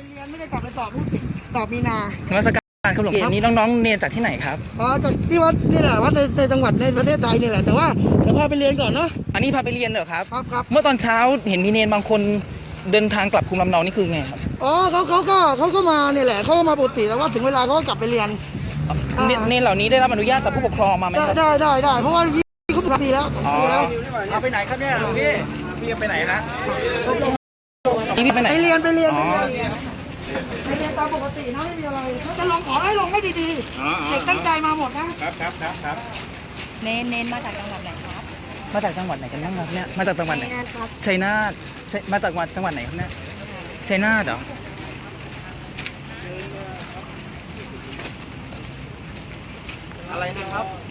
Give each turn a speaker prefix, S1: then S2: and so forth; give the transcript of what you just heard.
S1: เรียนไม่ได้กลับไปสอบมีนาน
S2: มัสการครับหลวงพี่นี่น้องๆเรียนจากที่ไหนครับ
S1: อ๋อจากที่วัดนี่แหละวัดในจังหวัดในประเทศไทยนี่แหละแต่ว่าเดี๋ยวพาไปเรียนก่อนเนาะ
S2: อันนี้พาไปเรียนเหรอครับ
S1: ครับ
S2: เมื่อตอนเช้าเห็นมีเนรบางคนเดินทางกลับภูมิลำเนานี่คือไงครับ
S1: อ๋อเขาก็มาเนี่ยแหละเขาก็มาปกติแต่ว่าถึงเวลาเขาก็กลับไปเรียน
S2: เนรเหล่านี้ได้รับอนุญาตจากผู้ปกครองมาไหมครับ
S1: ได้เพราะว่าพี่เขาปกติแล้ว
S2: เอาไปไหนครับเนี่ยหลวงพี่ไปไหนนะพี่ไปไหน
S1: ไปเรียนตามปกตินะไม่มีอะไรเขาจะลงขอให้ลงให้ดีๆเด็กตั้งใจมาหมดนะครับ
S3: เน้นมาจากจังหวัดไหนครับ
S2: มาจากจังหวัดไหนกันบ้างครับเนี่ยมาจากจังหวัดไหนชัยนาทมาจากจังหวัดไหนครับเนี่ยชัยนาทเหรอ
S1: อะไรนะครับ